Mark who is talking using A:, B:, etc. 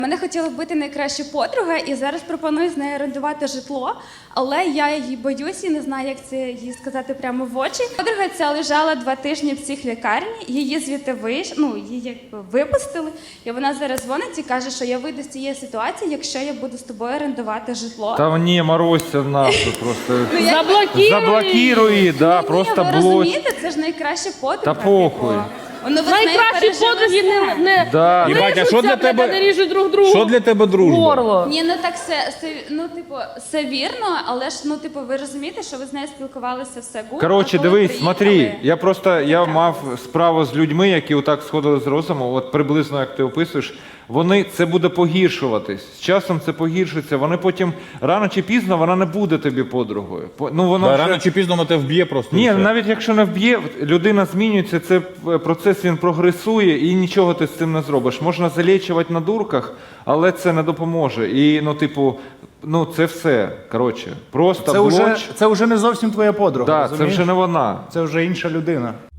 A: Мене хотіла вбити найкраща подруга, і зараз пропоную з нею орендувати житло, але я її боюсь і не знаю, як це їй сказати прямо в очі. Подруга ця лежала 2 тижні в психлікарні, її звідти її якби випустили, і вона зараз дзвонить і каже, що я вийду з цієї ситуації, якщо я буду з тобою орендувати житло.
B: Та ні, морозься нахуй просто.
C: Заблокируй.
B: Да,
A: Ні,
B: просто
A: ви
B: блочь.
A: розумієте, це ж найкраща подруга.
B: Та похуй.
C: Найкращі подруги не
B: Да.
D: Єбать, а що для тебе-
C: не ріжуть друг другу.
D: Що для тебе дружба?
C: Горло.
A: Ні, ну так все вірно, але ж, ви розумієте, що ви з нею спілкувалися все гуд.
B: Коротше,
A: а коли
B: дивись, смотри,
A: приїхали-
B: я мав справу з людьми, які отак сходили з розуму, от приблизно як ти описуєш, це буде погіршуватись. З часом це погіршиться, вони потім, рано чи пізно, вона не буде тобі подругою.
D: Да, рано чи пізно вона тебе вб'є просто.
B: Ні,
D: і все.
B: навіть якщо не вб'є, людина змінюється, це процес, він прогресує, і нічого ти з цим не зробиш. Можна залічувати на дурках, але це не допоможе. І, це все. Коротше, просто блоч.
E: Це вже не зовсім твоя подруга,
B: Да, це
E: розумієш?
B: вже не вона.
E: Це вже інша людина.